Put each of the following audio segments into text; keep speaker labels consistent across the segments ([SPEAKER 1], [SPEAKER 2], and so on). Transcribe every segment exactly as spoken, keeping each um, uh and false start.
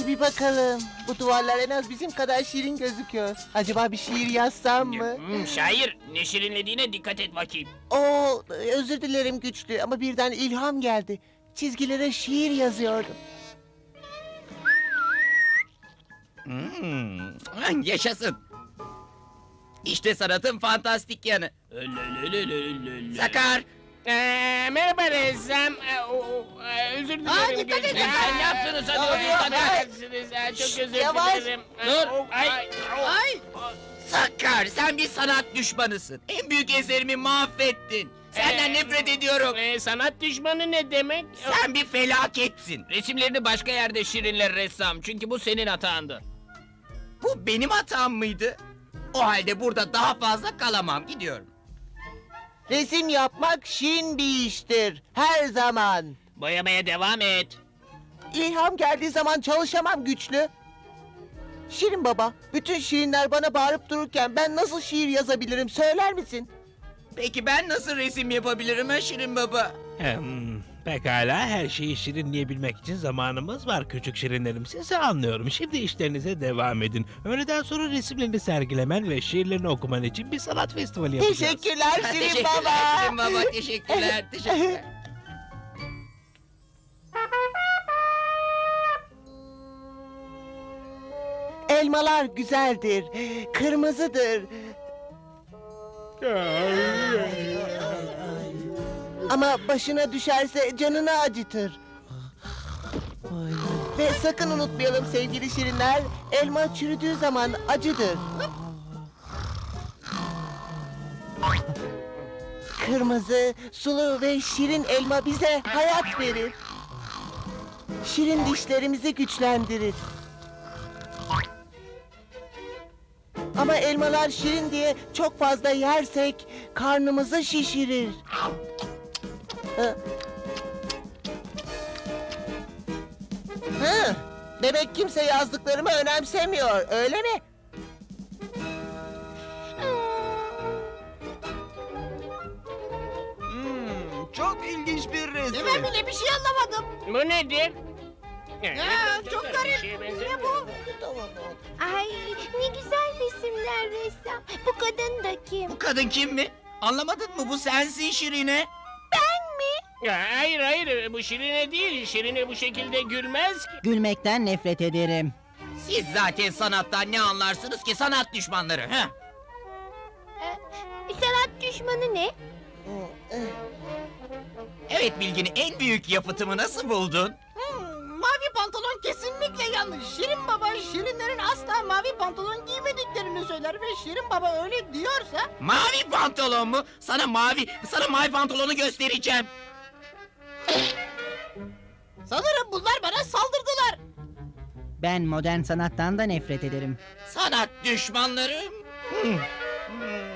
[SPEAKER 1] Hadi bir bakalım. Bu duvarlar en az bizim kadar şirin gözüküyor. Acaba bir şiir yazsam mı?
[SPEAKER 2] Hmm, şair, ne şirinlediğine dikkat et bakayım.
[SPEAKER 1] Oo, özür dilerim güçlü ama birden ilham geldi. Çizgilere şiir yazıyordum.
[SPEAKER 3] Hmm, yaşasın. İşte sanatın fantastik yanı. Sakar,
[SPEAKER 2] Ee, merhaba ressam. Ee, o- o- e, özür dilerim.
[SPEAKER 1] Aa, dikkat
[SPEAKER 2] Gülşen.
[SPEAKER 1] edin.
[SPEAKER 2] Sen ne yaptınız? Hadi
[SPEAKER 1] Aa,
[SPEAKER 2] oraya
[SPEAKER 1] aa,
[SPEAKER 2] affedersiniz. Ee, Çok
[SPEAKER 1] Şşş,
[SPEAKER 2] özür
[SPEAKER 1] yavaş.
[SPEAKER 2] dilerim. Ee,
[SPEAKER 3] Dur.
[SPEAKER 2] o- Ay.
[SPEAKER 1] Ay.
[SPEAKER 3] Sakar, sen bir sanat düşmanısın. En büyük eserimi mahvettin. Senden
[SPEAKER 2] Ee,
[SPEAKER 3] nefret ediyorum.
[SPEAKER 2] Ee, sanat düşmanı ne demek?
[SPEAKER 3] Sen bir felaketsin.
[SPEAKER 2] Resimlerini başka yerde şirinler ressam. Çünkü bu senin hatandı.
[SPEAKER 3] Bu benim hatam mıydı? O halde burada daha fazla kalamam, gidiyorum.
[SPEAKER 1] Resim yapmak şirin bir iştir. Her zaman.
[SPEAKER 2] Boyamaya devam et.
[SPEAKER 1] İlham geldiği zaman çalışamam güçlü. Şirin baba, bütün şirinler bana bağırıp dururken ben nasıl şiir yazabilirim söyler misin?
[SPEAKER 3] Peki ben nasıl resim yapabilirim ha Şirin Baba?
[SPEAKER 4] Hmm, pekala, her şeyi şirinleyebilmek için zamanımız var küçük şirinlerim. Sizi anlıyorum. Şimdi işlerinize devam edin. Öğleden sonra resimlerini sergilemen ve şiirlerini okuman için bir sanat festivali yapacağız.
[SPEAKER 1] Teşekkürler Şirin
[SPEAKER 3] teşekkürler
[SPEAKER 1] baba.
[SPEAKER 3] Şirin Baba, teşekkürler, teşekkürler.
[SPEAKER 1] Elmalar güzeldir, kırmızıdır. Ama başına düşerse canını acıtır. Ve sakın unutmayalım sevgili şirinler, elma çürüdüğü zaman acıdır. Kırmızı, sulu ve şirin elma bize hayat verir. Şirin dişlerimizi güçlendirir. Ama elmalar şirin diye çok fazla yersek karnımızı şişirir. Hı. Hı. Demek kimse yazdıklarımı önemsemiyor, öyle mi?
[SPEAKER 3] Hmm, çok ilginç bir resim.
[SPEAKER 1] Ben bile bir şey anlamadım.
[SPEAKER 2] Bu nedir?
[SPEAKER 1] Ya, çok garip.
[SPEAKER 2] Ne
[SPEAKER 1] bu?
[SPEAKER 5] Ay ne güzel resimler ressam. Bu kadın da kim?
[SPEAKER 3] Bu kadın kim mi? Anlamadın mı? Bu sensin Şirine.
[SPEAKER 2] Hayır hayır, bu şirine değil. Şirine bu şekilde gülmez ki.
[SPEAKER 6] Gülmekten nefret ederim.
[SPEAKER 3] Siz zaten sanattan ne anlarsınız ki, sanat düşmanları? Heh.
[SPEAKER 5] Ee, sanat düşmanı ne?
[SPEAKER 3] Evet Bilgin, en büyük yapıtımı nasıl buldun?
[SPEAKER 7] Mavi pantolon kesinlikle yanlış. Şirin Baba Şirinlerin asla mavi pantolon giymediklerini söyler ve Şirin Baba öyle diyorsa
[SPEAKER 3] Mavi pantolon mu? Sana mavi, sana mavi pantolonu göstereceğim.
[SPEAKER 7] sanırım bunlar bana saldırdılar.
[SPEAKER 6] Ben modern sanattan da nefret ederim.
[SPEAKER 3] Sanat düşmanlarım. Hmm. Hmm.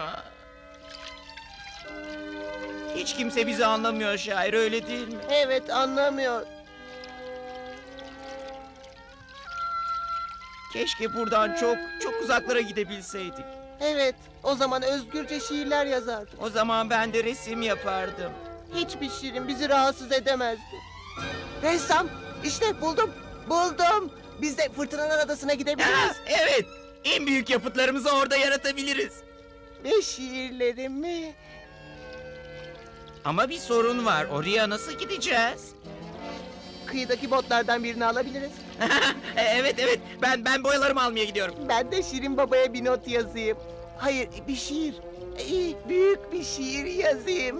[SPEAKER 3] Hiç kimse bizi anlamıyor şair, öyle değil mi?
[SPEAKER 1] Evet, anlamıyor.
[SPEAKER 3] Keşke buradan çok çok uzaklara gidebilseydik.
[SPEAKER 1] Evet, o zaman özgürce şiirler yazardım.
[SPEAKER 3] O zaman ben de resim yapardım.
[SPEAKER 1] Hiçbir şirin bizi rahatsız edemezdi. Ressam, işte buldum, buldum. Biz de Fırtınalar Adası'na
[SPEAKER 3] Ha,
[SPEAKER 1] gidebiliriz.
[SPEAKER 3] evet, en büyük yapıtlarımızı orada yaratabiliriz.
[SPEAKER 1] Ve şiirlerimi...
[SPEAKER 3] Ama bir sorun var, oraya nasıl gideceğiz?
[SPEAKER 1] Kıyıdaki botlardan birini alabiliriz.
[SPEAKER 3] E, evet evet, ben ben boyalarımı almaya gidiyorum.
[SPEAKER 1] Ben de Şirin Baba'ya bir not yazayım. Hayır, bir şiir. İyi, büyük bir şiir yazayım.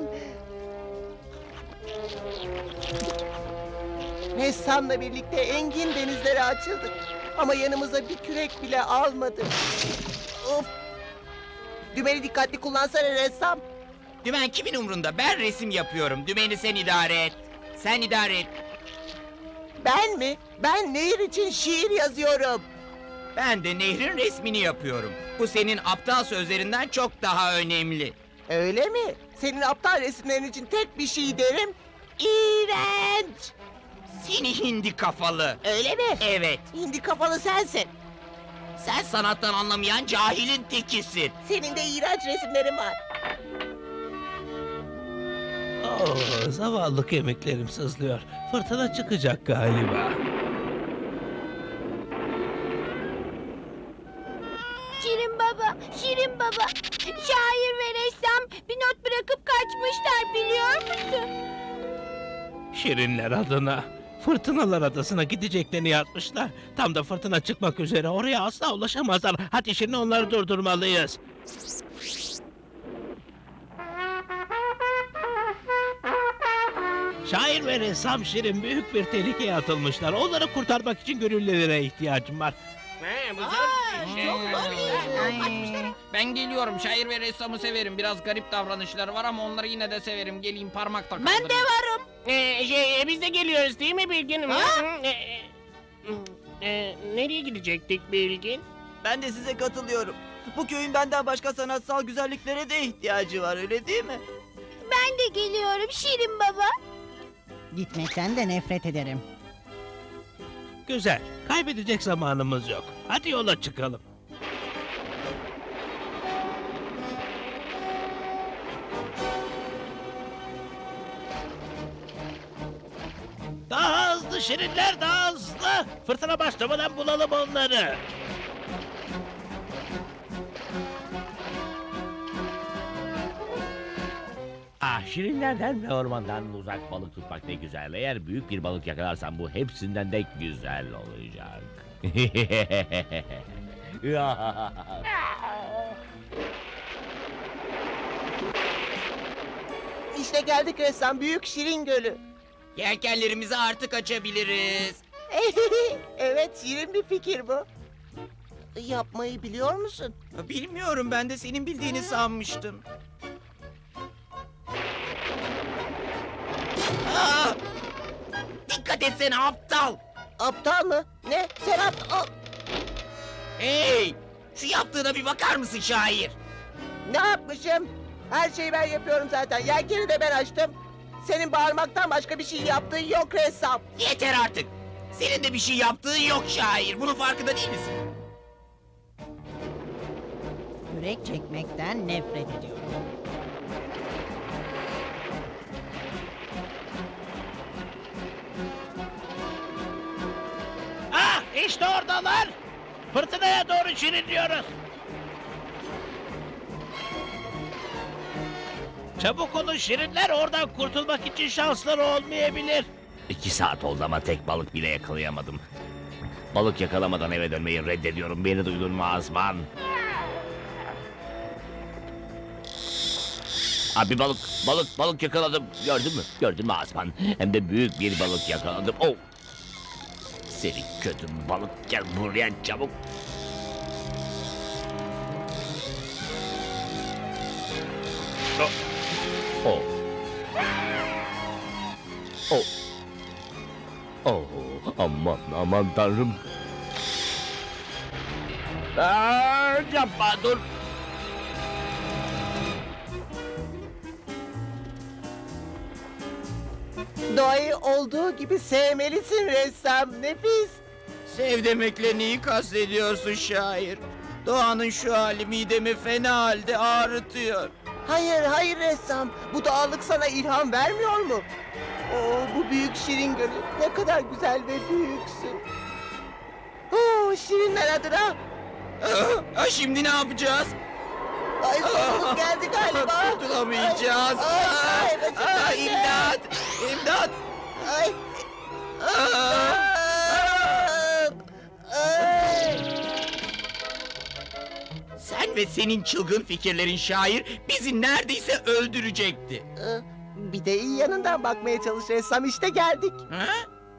[SPEAKER 1] Ressamla birlikte engin denizlere açıldık. Ama yanımıza bir kürek bile almadık. Of! Dümeni dikkatli kullansana ressam.
[SPEAKER 3] Dümen kimin umrunda? Ben resim yapıyorum. Dümeni sen idare et. Sen idare et.
[SPEAKER 1] Ben mi? Ben nehir için şiir yazıyorum.
[SPEAKER 3] Ben de nehrin resmini yapıyorum. Bu senin aptal sözlerinden çok daha önemli.
[SPEAKER 1] Öyle mi? Senin aptal resimlerin için tek bir şey derim. İğrenç!
[SPEAKER 3] Seni hindi kafalı.
[SPEAKER 1] Öyle mi?
[SPEAKER 3] Evet,
[SPEAKER 1] Hindi kafalı sensin.
[SPEAKER 3] sen sanattan anlamayan cahilin tekisin.
[SPEAKER 1] Senin de iğrenç resimlerin var.
[SPEAKER 4] Oh, zavallı kemiklerim sızlıyor. Fırtına çıkacak galiba.
[SPEAKER 5] Şirin baba, Şirin baba. Şair ve ressam bir not bırakıp kaçmışlar biliyor musun?
[SPEAKER 4] Şirinler adına Fırtınalar Adası'na gideceklerini yazmışlar. Tam da fırtına çıkmak üzere, oraya asla ulaşamazlar. Hadi şimdi onları durdurmalıyız. Şair ve ressam Şirin büyük bir tehlikeye atılmışlar. Onları kurtarmak için gönüllülere ihtiyacım var.
[SPEAKER 2] Ha, bu
[SPEAKER 7] Aa,
[SPEAKER 2] zor bir şey.
[SPEAKER 7] çok zor bir iş.
[SPEAKER 3] Ay,
[SPEAKER 7] Kaçmışlar.
[SPEAKER 3] ben geliyorum. Şair ve ressamı severim. Biraz garip davranışları var ama onları yine de severim. Geleyim parmakla kaldırayım.
[SPEAKER 7] Ben de varım.
[SPEAKER 2] Ee, şey, e, biz de geliyoruz değil mi Bilgin?
[SPEAKER 7] Ha?
[SPEAKER 2] Hı, e, e, e, nereye gidecektik Bilgin?
[SPEAKER 8] Ben de size katılıyorum. Bu köyün benden başka sanatsal güzelliklere de ihtiyacı var, öyle değil mi?
[SPEAKER 5] Ben de geliyorum Şirin baba.
[SPEAKER 6] Gitmekten de nefret ederim.
[SPEAKER 4] Güzel. Kaybedecek zamanımız yok. Hadi yola çıkalım. Daha hızlı Şirinler, daha hızlı. Fırtına başlamadan bulalım onları.
[SPEAKER 9] Ah, şirinlerden ve ormandan uzak balık tutmak ne güzel. Eğer büyük bir balık yakalarsan bu hepsinden de güzel olacak.
[SPEAKER 1] İşte geldik ressam, Büyük Şirin Gölü.
[SPEAKER 3] Yelkenlerimizi artık açabiliriz.
[SPEAKER 1] Evet, şirin bir fikir bu. Yapmayı biliyor musun?
[SPEAKER 3] Bilmiyorum, ben de senin bildiğini sanmıştım. Aa! Dikkat etsene aptal!
[SPEAKER 1] Aptal mı? Ne? Sen aptal...
[SPEAKER 3] Hey! Şu yaptığına bir bakar mısın şair?
[SPEAKER 1] Ne yapmışım? Her şeyi ben yapıyorum zaten. Yelkeni de ben açtım. Senin bağırmaktan başka bir şey yaptığın yok ressam.
[SPEAKER 3] Yeter artık! Senin de bir şey yaptığın yok şair. Bunun farkında değil misin?
[SPEAKER 6] Kürek çekmekten nefret ediyorum.
[SPEAKER 4] Ah, işte oradalar. Fırtınaya doğru şirinliyoruz. Çabuk olun Şirinler, oradan kurtulmak için şansları olmayabilir.
[SPEAKER 9] İki saat oldu ama tek balık bile yakalayamadım. Balık yakalamadan eve dönmeyi reddediyorum. Beni duydun mu Azman? Abi balık, balık, balık yakaladım. Gördün mü? Gördün mü Azman? Hem de büyük bir balık yakaladım. Oh! Seni kötü balık, gel buraya çabuk. Oh! Oh! Oh! Oh! Aman aman tanrım. Aa, yapma dur.
[SPEAKER 1] Doğayı olduğu gibi sevmelisin ressam. Nefis.
[SPEAKER 3] Sev demekle neyi kastediyorsun şair? Doğanın şu hali midemi fena halde ağrıtıyor.
[SPEAKER 1] Hayır, hayır ressam. Bu doğallık sana ilham vermiyor mu? Oo, bu büyük şirin gölü. Ne kadar güzel ve büyüksün. Oo, şirinler adına.
[SPEAKER 3] Ah, ah, şimdi ne yapacağız?
[SPEAKER 1] Ay sonumuz geldi galiba.
[SPEAKER 3] Kurtulamayacağız.
[SPEAKER 1] Ay,
[SPEAKER 3] Ah,
[SPEAKER 1] ay, başım
[SPEAKER 3] ah,
[SPEAKER 1] döndü.
[SPEAKER 3] imdat! İmdat!
[SPEAKER 1] Ay.
[SPEAKER 3] Ah!
[SPEAKER 1] Ay.
[SPEAKER 3] Sen ve senin çılgın fikirlerin şair bizi neredeyse öldürecekti.
[SPEAKER 1] Ee, Bir de iyi yanından bakmaya çalış ressam, işte geldik.
[SPEAKER 3] Ha?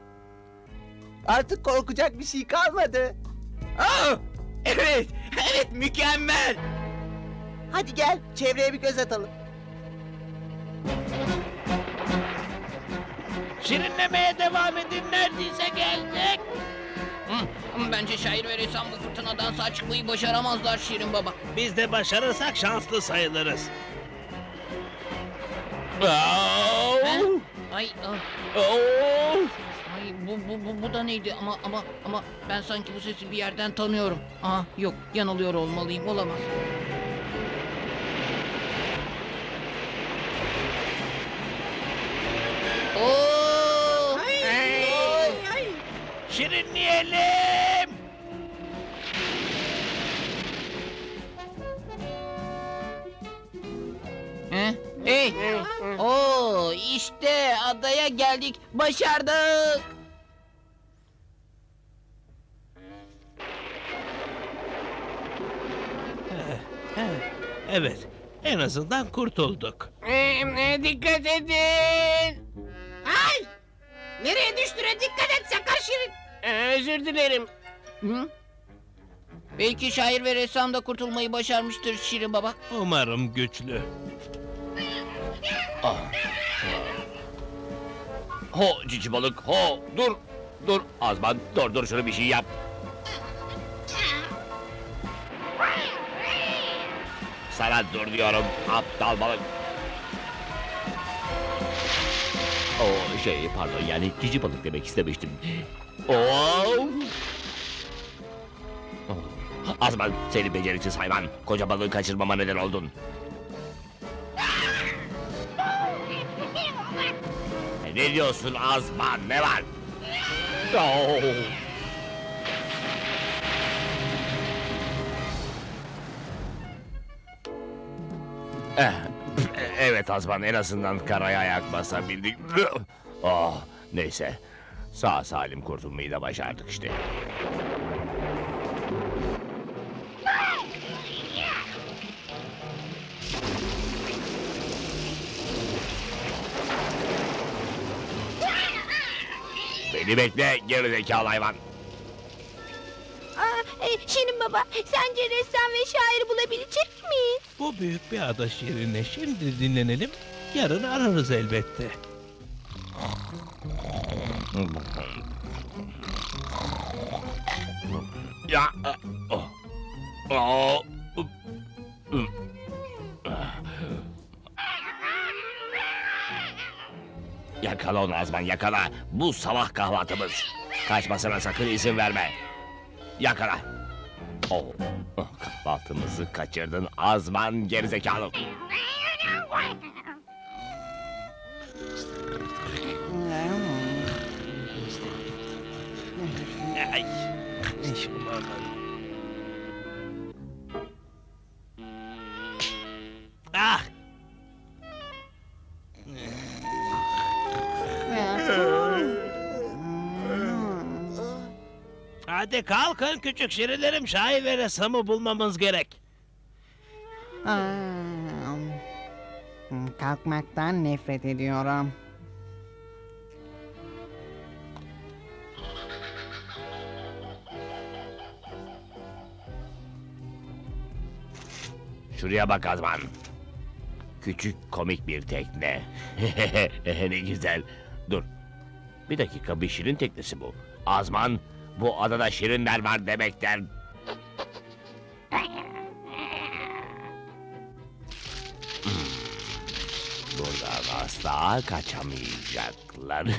[SPEAKER 1] Artık korkacak bir şey kalmadı.
[SPEAKER 3] Ah! Evet, evet mükemmel.
[SPEAKER 1] Hadi gel, çevreye bir göz atalım.
[SPEAKER 4] Şirinlemeye devam edin, neredeyse geldik.
[SPEAKER 3] Hı, bence şair ve ressam bu fırtınadan sağ çıkmayı başaramazlar Şirin Baba.
[SPEAKER 4] Biz de başarırsak şanslı sayılırız. Oh!
[SPEAKER 3] Ay, ah,
[SPEAKER 4] Oh!
[SPEAKER 3] ay bu, bu, bu, bu da neydi ama ama ama ben sanki bu sesi bir yerden tanıyorum. Aa yok, yanılıyor olmalıyım, olamaz. Oo!
[SPEAKER 4] Şirinleyelim.
[SPEAKER 3] Hey! Oo, işte adaya geldik. Başardık.
[SPEAKER 4] Evet, en azından kurtulduk.
[SPEAKER 2] Ee, e, dikkat edin.
[SPEAKER 7] Ay! Nereye düştüğüne dikkat et sakar Şirin.
[SPEAKER 2] Ee, özür dilerim.
[SPEAKER 3] Hı? Belki şair ve ressam da kurtulmayı başarmıştır Şirin Baba.
[SPEAKER 4] Umarım güçlü.
[SPEAKER 9] Ho cici balık ho dur. Dur Azman dur dur şunu bir şey yap. Sana dur diyorum aptal balık. O şey pardon yani cici balık demek istemiştim. Oo. Azman seni beceriksiz hayvan. Koca balığı kaçırmama neden oldun. Ne diyorsun Azman ne var? Oo. Eh, evet Azman en azından karaya ayak basabildik. Oh, neyse. Sağ salim kurtulmayı da başardık işte. Beni bekle gerizekalı hayvan.
[SPEAKER 5] Aa, e, Şirin Baba, sence ressam ve şairi bulabilecek miyiz?
[SPEAKER 4] Bu büyük bir ada şirine. Şimdi dinlenelim. Yarın ararız elbette.
[SPEAKER 9] Ya. Oh. Oh. Yakala onu Azman yakala. Bu sabah kahvaltımız. Kaçmasına sakın izin verme. Yakala. Oh. Oh, kahvaltımızı kaçırdın Azman gerizekalı.
[SPEAKER 4] Ay. Hiç bulamadım. Ah! Hadi kalkın küçük şirinlerim. Şair ve ressamı bulmamız gerek.
[SPEAKER 6] Aa, kalkmaktan nefret ediyorum.
[SPEAKER 9] Şuraya bak Azman. Küçük komik bir tekne. Ne güzel. Dur. Bir dakika bir şirin teknesi bu. Azman bu adada şirinler var demekten. Hmm. Buradan asla kaçamayacaklar.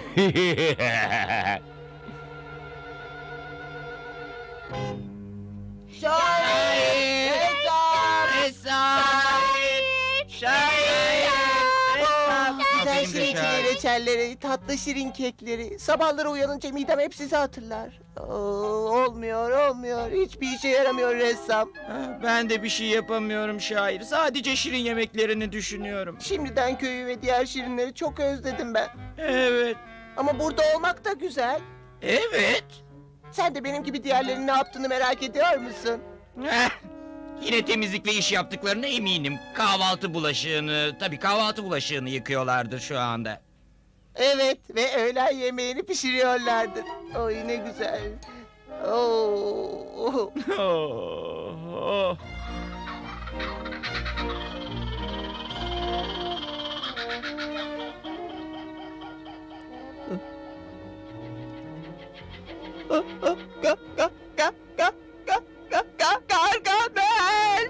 [SPEAKER 1] Şair! Ressam!
[SPEAKER 3] Ressam! Şair!
[SPEAKER 1] Oh, güzel
[SPEAKER 3] Benim de
[SPEAKER 1] şirin
[SPEAKER 3] şair.
[SPEAKER 1] reçelleri, tatlı şirin kekleri. Sabahları uyanınca midem hep sizi hatırlar. Oo, olmuyor, olmuyor. Hiçbir işe yaramıyor ressam.
[SPEAKER 10] Ben de bir şey yapamıyorum şair. Sadece şirin yemeklerini düşünüyorum.
[SPEAKER 1] Şimdiden köyü ve diğer şirinleri çok özledim ben.
[SPEAKER 10] Evet,
[SPEAKER 1] Ama burada olmak da güzel.
[SPEAKER 10] evet.
[SPEAKER 1] Sen de benim gibi diğerlerinin ne yaptığını merak ediyor musun?
[SPEAKER 10] Heh, yine temizlikle iş yaptıklarına eminim. Kahvaltı bulaşığını, tabii kahvaltı bulaşığını yıkıyorlardır şu anda.
[SPEAKER 1] Evet ve öğlen yemeğini pişiriyorlardır. Oy ne güzel. Oo.
[SPEAKER 10] Oh, oh.
[SPEAKER 1] Ga ga ga ga ga ga ga ga Gargamel.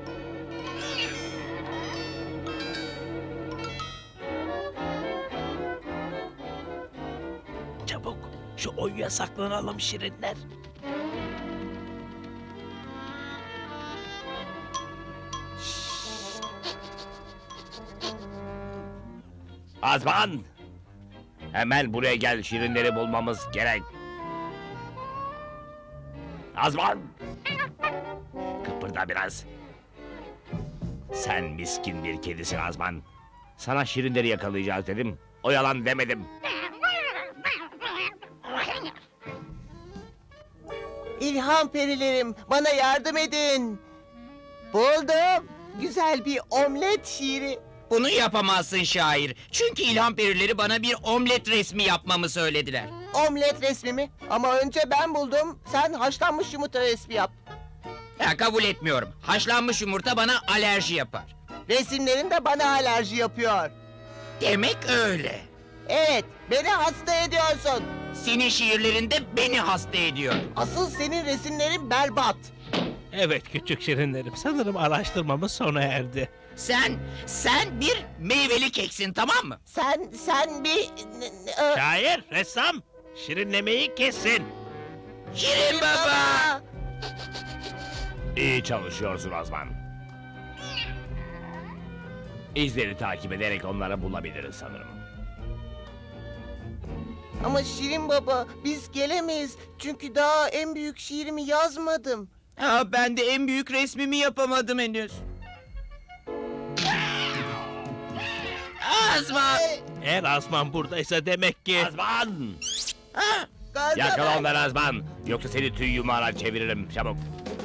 [SPEAKER 4] Çabuk şu oyuya saklanalım şirinler.
[SPEAKER 9] Azman! Hemen buraya gel şirinleri bulmamız gerek. Azman! Kıpırda biraz. Sen miskin bir kedisin Azman. Sana şirinleri yakalayacağız dedim. O yalan demedim.
[SPEAKER 1] İlham perilerim, bana yardım edin. Buldum. Güzel bir omlet şiiri.
[SPEAKER 10] Bunu yapamazsın şair. Çünkü ilham perileri bana bir omlet resmi yapmamı söylediler.
[SPEAKER 1] Omlet resmi mi? Ama önce ben buldum. Sen haşlanmış yumurta resmi yap.
[SPEAKER 10] Ya, kabul etmiyorum. Haşlanmış yumurta bana alerji yapar.
[SPEAKER 1] Resimlerin de bana alerji yapıyor.
[SPEAKER 10] Demek öyle.
[SPEAKER 1] Evet, beni hasta ediyorsun.
[SPEAKER 10] Senin şiirlerinde beni hasta ediyor.
[SPEAKER 1] Asıl senin resimlerin berbat.
[SPEAKER 4] Evet küçük şirinlerim, sanırım araştırmamız sona erdi.
[SPEAKER 10] Sen, sen bir meyveli keksin, tamam mı?
[SPEAKER 1] Sen, sen bir... n- n- e,
[SPEAKER 4] Şair, ressam, şirinlemeyi kesin.
[SPEAKER 10] Şirin baba!
[SPEAKER 9] İyi çalışıyorsun Azman. İzleri takip ederek onları bulabiliriz sanırım.
[SPEAKER 1] Ama Şirin Baba, biz gelemeyiz. Çünkü daha en büyük şiirimi yazmadım.
[SPEAKER 10] Ha, ben de en büyük resmimi yapamadım henüz. Azman!
[SPEAKER 4] Eğer Azman buradaysa demek ki...
[SPEAKER 9] Azman!
[SPEAKER 10] Ha,
[SPEAKER 1] Gargamel.
[SPEAKER 9] Yakala onları Azman. Yoksa seni tüy yumağına çeviririm. Çabuk.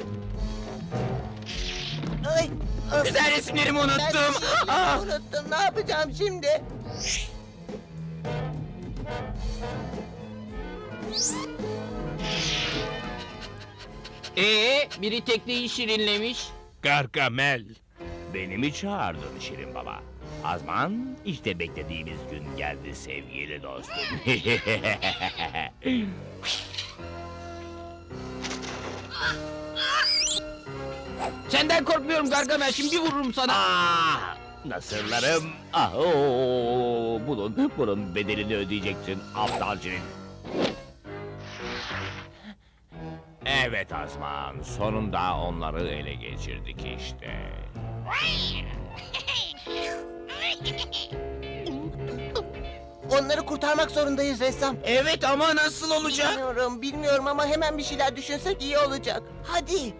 [SPEAKER 1] Ay, ay.
[SPEAKER 10] güzel resimlerimi
[SPEAKER 1] Ben
[SPEAKER 10] unuttum.
[SPEAKER 1] şiirimi
[SPEAKER 10] Ah!
[SPEAKER 1] unuttum. Ne yapacağım şimdi?
[SPEAKER 3] Ee, biri tekneyi şirinlemiş.
[SPEAKER 4] Gargamel.
[SPEAKER 9] Beni mi çağırdın Şirin Baba? Azman, işte beklediğimiz gün geldi sevgili dostum.
[SPEAKER 3] Senden korkmuyorum Gargamel, şimdi vururum sana.
[SPEAKER 9] Ah, nasırlarım. Ah, oo, bunun, bunun bedelini ödeyeceksin aptal Şirin. Evet Azman, sonunda onları ele geçirdik işte.
[SPEAKER 1] Onları kurtarmak zorundayız ressam.
[SPEAKER 10] Evet ama nasıl olacak?
[SPEAKER 1] Bilmiyorum, bilmiyorum ama hemen bir şeyler düşünsek iyi olacak. Hadi.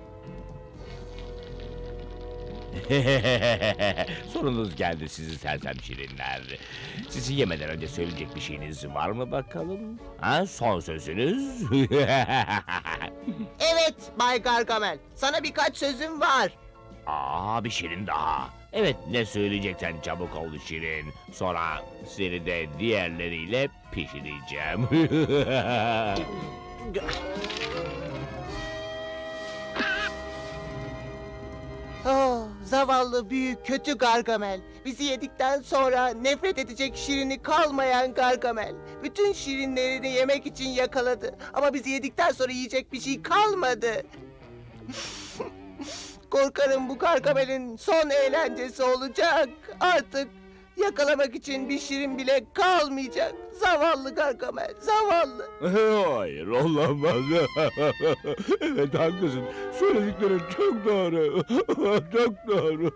[SPEAKER 9] Sorunuz geldi sizi sersem şirinler. Sizi yemeden önce söyleyecek bir şeyiniz var mı bakalım? Ha, son sözünüz?
[SPEAKER 1] Evet Bay Gargamel, sana birkaç sözüm var.
[SPEAKER 9] Aa, bir şirin daha. Evet, ne söyleyeceksen çabuk ol şirin. Sonra seni de diğerleriyle pişireceğim.
[SPEAKER 1] Oh, zavallı büyük kötü Gargamel. Bizi yedikten sonra nefret edecek şirini kalmayan Gargamel. Bütün şirinlerini yemek için yakaladı. Ama bizi yedikten sonra yiyecek bir şey kalmadı. Korkarım bu Gargamel'in son eğlencesi olacak. Artık yakalamak için bir şirin bile kalmayacak. Zavallı Gargamel, zavallı.
[SPEAKER 9] Hayır, olamaz. Evet, haklısın. Söylediklerin çok doğru. Çok doğru.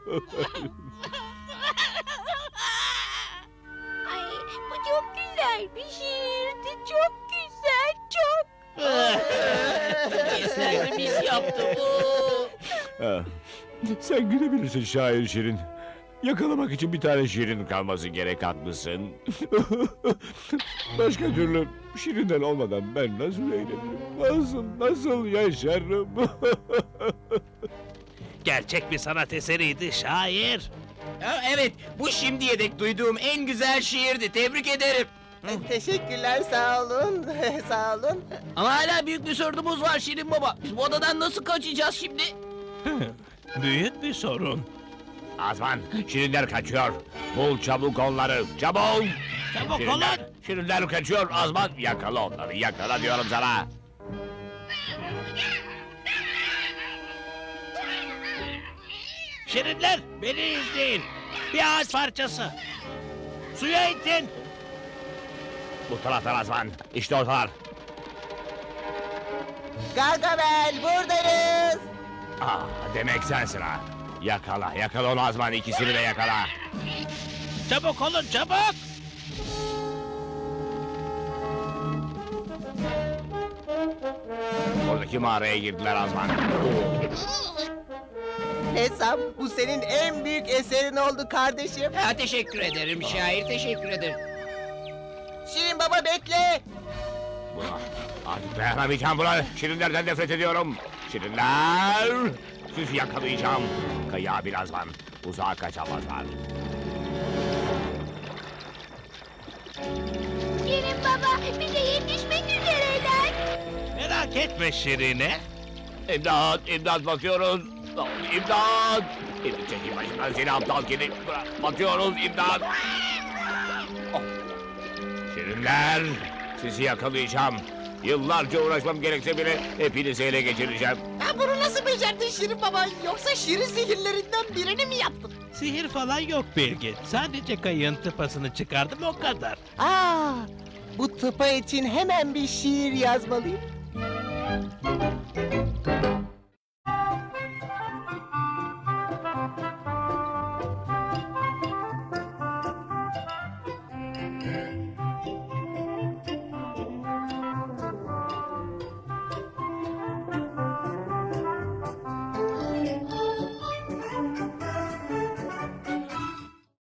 [SPEAKER 5] Ay, bu çok güzel bir şiirdi. Çok güzel, çok.
[SPEAKER 3] Kesinlikle biz yaptık bu.
[SPEAKER 9] Ah, sen gülebilirsin şair şirin. Yakalamak için bir tane şirin kalması gerek, haklısın. Başka türlü şirinden olmadan ben nasıl eğlenirim? Nasıl, nasıl yaşarım?
[SPEAKER 4] Gerçek bir sanat eseriydi şair.
[SPEAKER 10] Ha, evet, bu şimdiye dek duyduğum en güzel şiirdi. Tebrik ederim.
[SPEAKER 1] Teşekkürler, sağ olun. Sağ olun.
[SPEAKER 3] Ama hala büyük bir sorunumuz var Şirin Baba. Biz bu odadan nasıl kaçacağız şimdi?
[SPEAKER 4] Büyük bir sorun.
[SPEAKER 9] Azman, şirinler kaçıyor. Bul çabuk onları, çabuk!
[SPEAKER 4] Çabuk
[SPEAKER 9] Şirinler,
[SPEAKER 4] olun.
[SPEAKER 9] şirinler kaçıyor Azman. Yakala onları, yakala diyorum sana.
[SPEAKER 4] Şirinler, beni izleyin. Bir ağaç parçası. Suya itin.
[SPEAKER 9] Bu taraftan Azman, işte ortalar.
[SPEAKER 1] Gargamel, buradayız.
[SPEAKER 9] Ah, demek sensin ha. Yakala, yakala onu Azman, ikisini de yakala.
[SPEAKER 4] Çabuk olun, çabuk.
[SPEAKER 9] Oradaki mağaraya girdiler Azman.
[SPEAKER 1] ressam, bu senin en büyük eserin oldu kardeşim.
[SPEAKER 3] Ha, teşekkür ederim şair, teşekkür ederim.
[SPEAKER 1] Şirin Baba bekle.
[SPEAKER 9] Buna, artık dayanamayacağım buna. Şirinlerden nefret ediyorum. Şirinler! Sizi yakalayacağım. Kaya birazdan. Uzağa kaçamazlar.
[SPEAKER 5] Şirin baba bize yetişmek üzereler.
[SPEAKER 4] Merak etme Şirine.
[SPEAKER 9] İmdat, imdat batıyoruz. İmdat! İmdat çekil başımdan seni aptal kedi. Bırak, batıyoruz imdat. Oh. Şirinler, sizi yakalayacağım. Yıllarca uğraşmam gerekse bile hepinizi ele geçireceğim.
[SPEAKER 7] Ha, bunu nasıl becerdin Şirin baba? Yoksa şirin sihirlerinden birini mi yaptın?
[SPEAKER 4] Sihir falan yok Bilgin. Sadece kayığın tıpasını çıkardım o kadar.
[SPEAKER 1] Aa, bu tıpa için hemen bir şiir yazmalıyım.